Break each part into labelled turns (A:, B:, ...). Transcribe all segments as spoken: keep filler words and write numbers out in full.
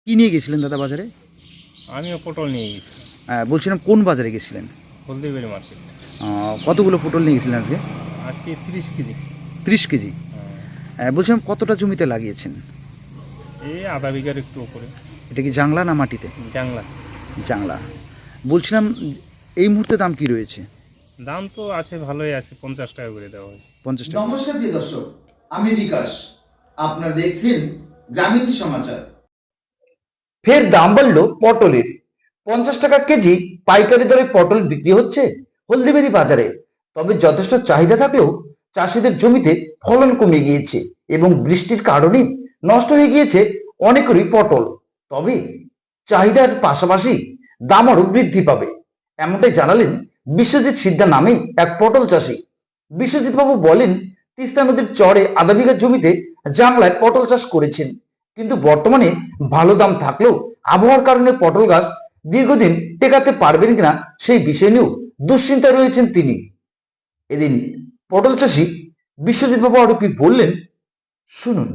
A: কি নিয়ে গেছিলেন দাদা বাজারে?
B: আমিও পটল নিয়ে গেছি।
A: আহ, বলছিলাম কোন বাজারে গেছিলেন?
B: হলদিবাড়ি মার্কেট।
A: আহ, কতগুলো পটল নিয়ে গেছিলেন আজকে?
B: আজকে তিরিশ কেজি।
A: ত্রিশ কেজি।
B: হ্যাঁ,
A: আহ, বলছিলাম কতটা জমিতে লাগিয়েছেন?
B: এই আধা বিঘার একটু উপরে।
A: এটা কি জাংলা না মাটিতে?
B: জাংলা।
A: জাংলা। বলছিলাম এই মুহূর্তে দাম কি রয়েছে?
B: দাম তো আছে, ভালোই আছে, পঞ্চাশ টাকা করে দেওয়া হয়েছে।
A: পঞ্চাশ টাকা।
C: নমস্কার প্রিয় দর্শক, আমি বিকাশ। আপনারা দেখছেন গ্রামীণ সমাচার।
D: ফের দাম বাড়লো পটলের। পঞ্চাশ টাকা কেজি পাইকারি দরে পটল বিক্রি হচ্ছে হলদিবাড়ি বাজারে। তবে যথেষ্ট চাহিদা থাকলেও চাষিদের জমিতে ফলন কমে গিয়েছে এবং বৃষ্টির কারণে নষ্ট হয়ে গিয়েছে অনেকেরই পটল। তবে চাহিদার পাশাপাশি দাম আরও বৃদ্ধি পাবে, এমনটাই জানালেন বিশ্বজিৎ সিদ্ধা নামে এক পটল চাষি। বিশ্বজিৎ বাবু বলেন, তিস্তা নদীর চরে আধা বিঘা জমিতে জাংলায় পটল চাষ করেছেন, কিন্তু বর্তমানে ভালো দাম থাকলেও আবহাওয়ার কারণে পটল গাছ দীর্ঘদিন টেকাতে পারবেন কিনা সেই বিষয় নিয়েও দুশ্চিন্তায় রয়েছেন তিনি। এদিন পটল চাষি বিশ্বজিৎ বাবু আরো কি বললেন শুনুন।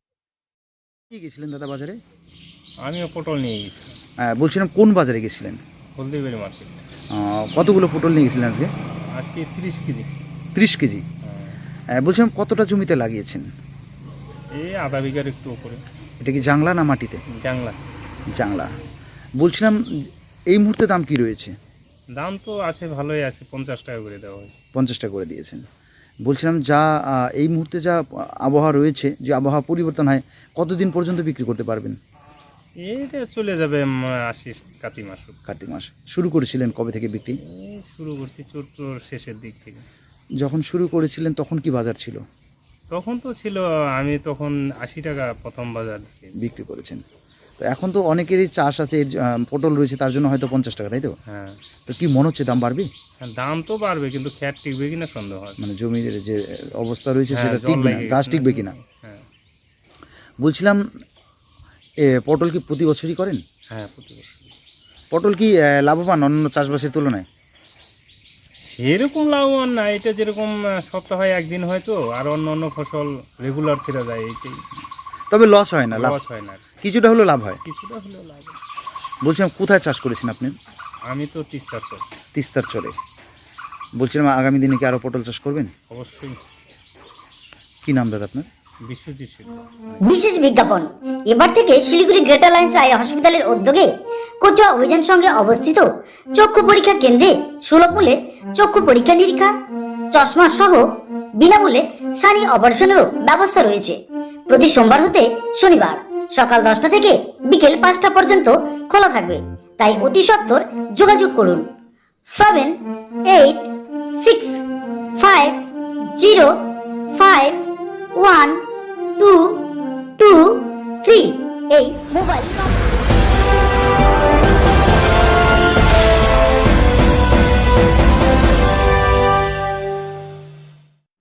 A: কি গেছিলেন দাদা বাজারে?
B: আমিও পটল নিয়ে গেছি।
A: আহ, বলছিলাম কোন বাজারে গেছিলেন?
B: হলদিবাড়ি মার্কেট।
A: আহ, কতগুলো পটল নিয়ে গেছিলেন আজকে?
B: আজকে তিরিশ কেজি।
A: ত্রিশ কেজি।
B: হ্যাঁ,
A: আহ, বলছিলাম কতটা জমিতে লাগিয়েছেন?
B: এই আধা বিঘার একটু উপরে।
A: এটা কি জাংলা না মাটিতে?
B: জাংলা।
A: জাংলা। বলছিলাম এই মুহূর্তে দাম কি রয়েছে?
B: দাম তো আছে, ভালোই আছে, পঞ্চাশ টাকা করে দেওয়া হয়েছে।
A: পঞ্চাশ টাকা করে দিয়েছেন। বলছিলাম যা আহ, এই মুহূর্তে যা আবহাওয়া রয়েছে, যে আবহাওয়া পরিবর্তন হয়, কতদিন পর্যন্ত বিক্রি করতে পারবেন?
B: এইটা চলে যাবে উম, আশি কাতি মাস।
A: কার্তিক মাস। শুরু করেছিলেন কবে থেকে বিক্রি?
B: এই শুরু করছি চৈত্র শেষের দিক থেকে।
A: যখন শুরু করেছিলেন তখন কি বাজার ছিল?
B: তখন তো ছিল, আমি তখন আশি টাকা প্রথম বাজার থেকে
A: বিক্রি করেছেন। তো এখন তো অনেকেরই চাষ আছে, এর আহ, পটল রয়েছে, তার জন্য হয়তো পঞ্চাশ টাকা, তাই তো?
B: হ্যাঁ,
A: তো কি মনে হচ্ছে দাম বাড়বে?
B: দাম তো বাড়বে, কিন্তু খ্যাট টিকবে কিনা সন্দেহ আছে।
A: মানে জমির যে অবস্থা রয়েছে
B: হ্যাঁ,
A: সেটা
B: জল
A: টিকবে না,
B: লেগে
A: গাছ
B: গেছে
A: টিকবে
B: না।
A: কিনা।
B: হ্যাঁ,
A: বলছিলাম এ, পটল কি প্রতি বছরই করেন?
B: হ্যাঁ, প্রতি বছর।
A: পটল কি আহ, লাভবান অন্য চাষবাসের তুলনায়?
B: সেরকম লাভবান না, এটা যেরকম আহ, সপ্তাহে একদিন হয়তো, আর অন্য অন্য ফসল রেগুলার ছেড়ে যায়, এইটাই।
A: তবে লস হয় না, লাভ
B: লস হয় না,
A: কিছুটা হলেও লাভ হয়।
B: কিছুটা হলেও লাভ হয়।
A: বলছিলাম কোথায় চাষ করেছেন আপনি?
B: আমি তো তিস্তার চর।
A: তিস্তার চরে। বলছিলাম আগামী দিনে কি আরও পটল চাষ করবেন?
B: অবশ্যই।
A: কি নাম দাদা আপনার?
B: বিশ্বজিৎ সিদ্ধ।
E: বিশেষ বিজ্ঞাপন। এবার থেকে শিলিগুড়ি গ্রেটার লাইন্স আই হসপিটালের উদ্যোগে কোচা অভিযান সঙ্গে অবস্থিত চক্ষু পরীক্ষা কেন্দ্রে সুলভ মূল্যে চক্ষু পরীক্ষা নিরীক্ষা, চশমা সহ বিনামূল্যে সানি অপারেশনেরও ব্যবস্থা রয়েছে। প্রতি সোমবার হতে শনিবার সকাল দশটা থেকে বিকেল পাঁচটা পর্যন্ত খোলা থাকবে, তাই অতি সত্বর যোগাযোগ করুন seven eight six five zero five one two two three এই মোবাইল